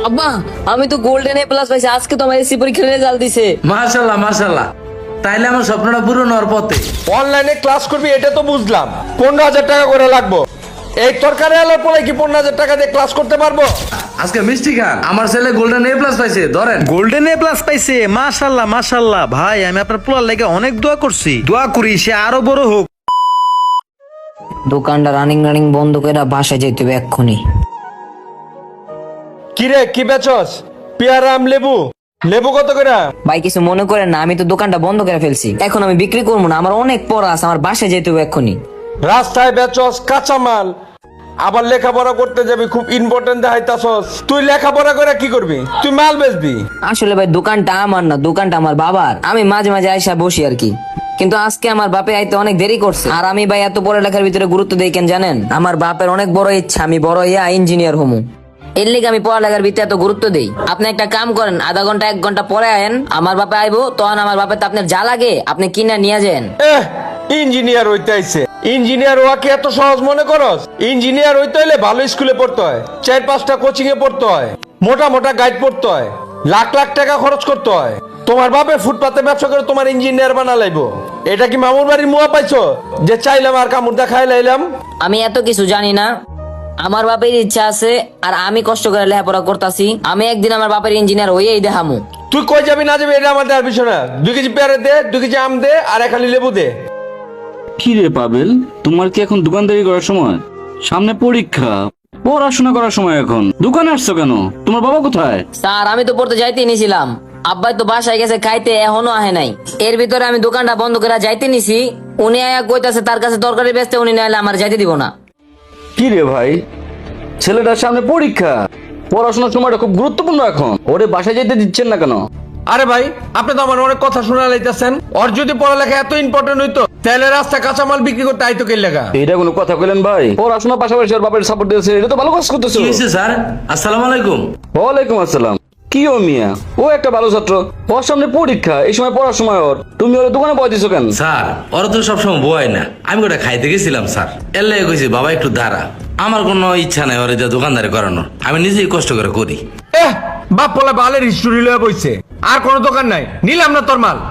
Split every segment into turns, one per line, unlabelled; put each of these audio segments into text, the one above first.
আব্বা আমি তো গোল্ডেন এ প্লাস পাইছি, আজকে তো আমার এসি পরীক্ষার রেজাল্ট দিছে।
মাশাআল্লাহ মাশাআল্লাহ, তাইলে আমার স্বপ্নটা পূরণ হওয়ার পথে।
অনলাইনে ক্লাস করবি এটা তো বুঝলাম, 15,000 টাকা করে লাগবো। এই তরকারি আলোর পরে কি 15,000 টাকা দিয়ে ক্লাস করতে পারবো?
আজকে মিষ্টি খান, আমার ছেলে গোল্ডেন এ প্লাস পাইছে, ধরেন।
গোল্ডেন এ প্লাস পাইছে, মাশাআল্লাহ মাশাআল্লাহ। ভাই আমি আপনার পোলার লাগে অনেক দোয়া করছি, দোয়া করি সে আরো বড় হোক।
দোকানটা রানিং বন্ধ করে বাসায় যেতে হবে এক্ষুনি।
কিরে কি বেচস? পেয়ারা আম লেবু, লেবু কত করে?
ভাই কিছু মনে করেন না, আমি তো দোকানটা বন্ধ করে ফেলছি, এখন আমি বিক্রি করবো না, আমার অনেক পড়া আছে, আমার বাসায় যেতে হবে এক্ষুনি।
রাস্তায় বেচস কাঁচামাল, আবার লেখাপড়া করতে যাবি, খুব ইম্পর্টেন্ট দেখাইতাছস। তুই লেখাপড়া করে কি করবি? তুই মাল বেচবি?
আসলে ভাই দোকানটা আমার না, দোকানটা আমার বাবার, আমি মাঝে মাঝে আইসা বসি আর কি। কিন্তু আজকে আমার বাপে আইতে অনেক দেরি করছে, আর আমি ভাই এত পড়ালেখার ভিতরে গুরুত্ব দেই কেন জানেন? আমার বাপের অনেক বড় ইচ্ছা আমি বড় হইয়া ইঞ্জিনিয়ার হমু, এর লিগে আমি পড়ালেখার ভিতরে এত গুরুত্ব দেই। আপনি একটা কাম করেন, আধা ঘন্টা 1 ঘন্টা পরে আয়েন, আমার বাপে আইবো, তখন আমার বাপে তো আপনার যা লাগে আপনি কিনা নিয়ে যান।
ইঞ্জিনিয়ার হইতে আইছে, ইঞ্জিনিয়ার হওয়া কি এত সহজ মনে করস? ইঞ্জিনিয়ার হইতে হইলে ভালো স্কুলে পড়তে হয়, 4-5টা কোচিং এ পড়তে হয়, মোটা মোটা গাইড পড়তে হয়, লাখ লাখ টাকা খরচ করতে হয়। তোমার বাপে ফুটপাতে ব্যবসা করে তোমার ইঞ্জিনিয়ার বানা লাইবো? এটা কি মামুর বাড়ির মুয়া পাইছো যে চাইলাম আর কামড় দেখাই লাইলাম?
আমি এত কিছু জানি না, আমার বাপের ইচ্ছা আছে আর আমি কষ্ট করে লেখাপড়া করতেছি, আমি একদিন আমার বাপের ইঞ্জিনিয়ার হইয়াই দেখামু।
তুই কই যাবি না যাবি এটা আমার দেওয়ার বিষয় না। 2 কেজি পেয়ারা দে, 2 কেজি আম দে, আর 1 খালি লেবু দে।
কি রে পাবেল, তোমার কি এখন দোকানদারি করার সময়? সামনে পরীক্ষা, পড়াশোনা করার সময়, এখন দোকানে আসছো কেন? তোমার বাবা কোথায়?
স্যার আমি তো পড়তে যাইতে নিছিলাম, আব্বাই তো বাসায় গেছে খাইতে, এখনো আহে নাই। এর ভিতরে আমি দোকানটা বন্ধ করে যাইতে নিছি, উনি আয়া কইতাছে তার কাছে তরকারি বেচতে, উনি নাইলে আমার যাইতে দিব না।
কি রে ভাই, ছেলেটার সামনে পরীক্ষা, পড়াশোনার সময়টা খুব গুরুত্বপূর্ণ, এখন ওরে বাসায় যেতে দিচ্ছেন না কেন?
আরে ভাই আপনি তো আমার অনেক কথা শোনা লাইতেছেন। ওর যদি পড়ালেখা এত ইম্পর্টেন্ট হইতো তাহলে রাস্তা কাঁচামাল বিক্রি করতে আইতো কে লেগা?
এটা কোনো কথা কইলেন ভাই? পড়াশোনার পাশাপাশি ওর বাপের সাপোর্ট দিয়েছে, এটা তো ভালো কাজ করতেছো।
কি হয়েছে স্যার? আসসালামু আলাইকুম।
ওয়ালাইকুম আসসালাম। কি ও মিয়া, ও একটা ভালো ছাত্র, ওর সামনে পরীক্ষা, এই সময় পড়ার সময় ওর, তুমি ওর দোকানে বয় দিছো কেন?
স্যার ওরা তো সবসময় বয় না, আমি ওটা খাইতে গেছিলাম স্যার, এর লাগে কইছি বাবা একটু দাঁড়া। আমার কোনো ইচ্ছা নাই ওরে যা দোকানদারি করানোর, আমি নিজেই কষ্ট করে করি।
বাপ পোলা বালের হিস্টোরি লয়ে বইছে, আর কোনো দোকান নাই, নিলাম না তোর মাল।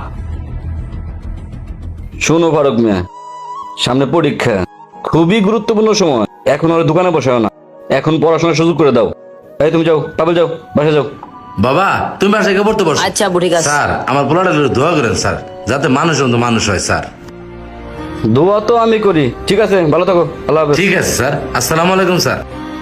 শোনো ফারুক মিয়া, সামনে পরীক্ষা, খুবই গুরুত্বপূর্ণ সময়, এখন ওর দোকানে বসাও না, এখন পড়াশোনার সুযোগ করে দাও। এই তুমি যাও, পাবেল যাও, বাসা যাও।
বাবা তুমি বাসায় গিয়ে পড়তে পারছো?
আচ্ছা আব্বু ঠিক আছে।
স্যার আমার পোলাটা দোয়া করেন স্যার, যাতে মানুষ মতো মানুষ হয় স্যার।
দোয়া তো আমি করি, ঠিক আছে, ভালো থাকো, আল্লাহ হাফেজ।
ঠিক আছে স্যার, আসসালামু আলাইকুম স্যার।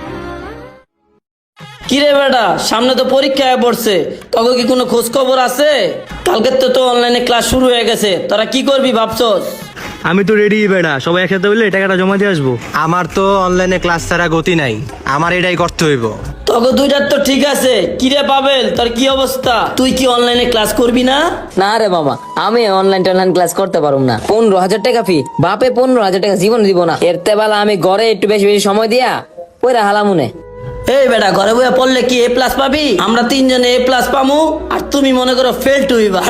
কিরে বেটা, সামনে তো পরীক্ষা পড়ছে, তখন কি কোনো খোঁজ খবর আছে? কালকে তো অনলাইনে ক্লাস শুরু হয়ে গেছে, তোরা কি করবি ভাবছস?
আমি তো রেডি বেড়া, সবাই একসাথে হইলে টাকাটা জমা দিয়ে আসবো।
আমার তো অনলাইনে ক্লাস ছাড়া গতি নাই, আমার এটাই করতে হইব।
তখন দুইটার তো ঠিক আছে। কিরে পাবেল, তোর কি অবস্থা? তুই কি অনলাইনে ক্লাস করবি না?
না রে বাবা, আমি অনলাইন ক্লাস করতে পারবো না। 15,000 টাকা ফি, বাপে 15,000 টাকা জীবন দিব না। এর তেবেলা আমি ঘরে একটু বেশি বেশি সময় দিয়া ওইরা হালামুনে।
এই বেটা, ঘরে বইয়া পড়লে কি A+ পাবি? আমরা 3 জনে A+ পামু, আর তুমি মনে করো ফেল টু হইবা।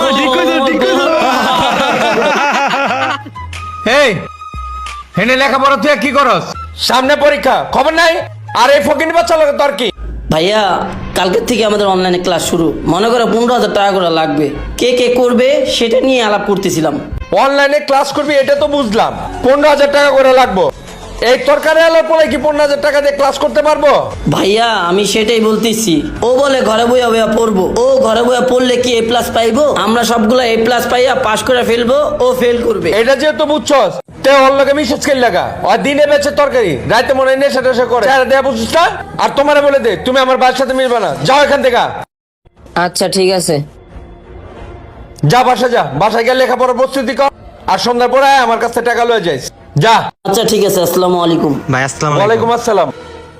এই হেনে লেখাপড়া তুই কি করস? সামনে পরীক্ষা, খবর নাই? আর এই ফকিনি বাচ্চা লাগে তোর কি?
ভাইয়া কালকের থেকে আমাদের অনলাইনে ক্লাস শুরু, মনে করো 15,000 টাকা করে লাগবে, কে কে করবে সেটা নিয়ে আলাপ করতেছিলাম।
অনলাইনে ক্লাস করবি এটা তো বুঝলাম, 15,000 টাকা করে লাগবো। এই তরকারি আলোর পরে কি 15,000 টাকা দিয়ে ক্লাস করতে পারবো?
ভাইয়া আমি সেটাই বলতেছি, ও বলে ঘরে বইয়া বইয়া পড়বো, ও ঘরে বইয়া পড়লে কি A+ পাইবো? আমরা সবগুলা A+ পাইয়া পাশ করে ফেলবো, ও ফেল করবে।
এটা যেহেতু বুঝছস তে ওর লগে মিসেজ কেন লাগা? আর দিনে বেচে তরকারি, রাতে মনে হয় নেশা টেশা করে, চেহারা দেয়া বুঝছিস না? আর তোমারে বলে দে তুমি আমার বাবার সাথে মিলবে না, যাও এখান থেকে।
আচ্ছা ঠিক আছে।
যা বাসা যা, বাসায় গিয়ে লেখাপড়ার প্রস্তুতি কর, আর সন্ধ্যার পরে আয়, আমার কাছ থেকে টাকা লয়ে যাইস। যা।
আচ্ছা ঠিক আছে, আসসালামু আলাইকুম।
ভাই আসসালামু
ওয়ালাইকুম আসসালাম।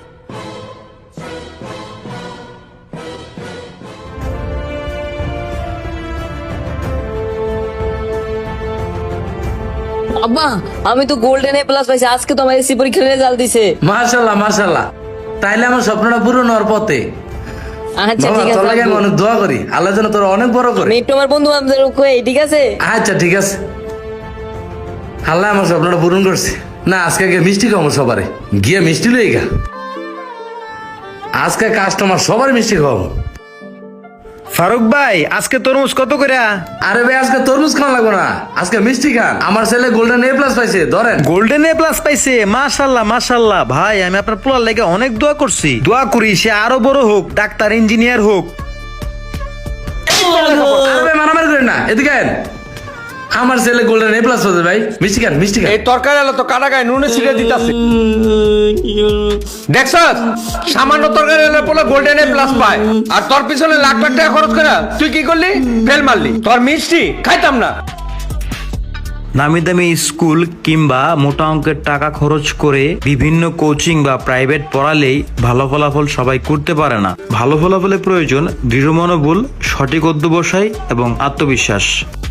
আব্বা আমি তো গোল্ডেন এ প্লাস পাইছি, আজকে তো আমার এসি পরীক্ষার রেজাল্ট দিছে।
মাশাআল্লাহ মাশাআল্লাহ, তাইলে আমার স্বপ্নটা পূরণ হওয়ার পথে।
আচ্ছা
বাবা
ঠিক
তোর লাগে আমি
আছে,
অনেক দোয়া করি, আল্লাহ যেন তোর অনেক বড় করে।
আমি একটু আমার বন্ধু বান্ধবদের কই, ঠিক আছে?
আচ্ছা ঠিক আছে, আল্লাহ আমার স্বপ্নটা পূরণ করছে। না আজকে গিয়ে মিষ্টি খাবো সবারে, গিয়ে মিষ্টি লই গা। আজকে কাস্টমার সবার মিষ্টি খাও।
ফারুক ভাই আজকে তরমুজ কত করে?
আরে ভাই আজকে তরমুজ খাওয়া লাগবে না, আজকে মিষ্টি খান। আমার ছেলে গোল্ডেন এ প্লাস পাইছে, ধরেন।
গোল্ডেন এ প্লাস পাইছে, মাশাল্লাহ মাশাল্লাহ। ভাই আমি আপনার পোলার লেগে অনেক দোয়া করছি, দোয়া করি সে আরো বড় হোক, ডাক্তার ইঞ্জিনিয়ার হোক।
আরে ভাই মারামারি করেন না, এদিকে আয়েন। আমার ছেলে গোল্ডেন এ প্লাস পাইছে ভাই, মিষ্টি খান মিষ্টি খান।
এই তরকারি আলো তো কাটা গায়ে নুনে ছিটে দিতাছে। দেখছস সামান্য তরকারি আলো বলে গোল্ডেন এ প্লাস পায়, আর তোর পিছনে লাখ লাখ টাকা খরচ করে তুই কি করলি? ফেল মারলি। তোর মিষ্টি খাইতাম না।
নামি দামি স্কুল কিংবা মোটা অঙ্কের টাকা খরচ করে বিভিন্ন কোচিং বা প্রাইভেট পড়ালেই ভালো ফলাফল সবাই করতে পারে না। ভালো ফলাফলের প্রয়োজন দৃঢ় মনোবল, সঠিক অধ্যবসায় এবং আত্মবিশ্বাস।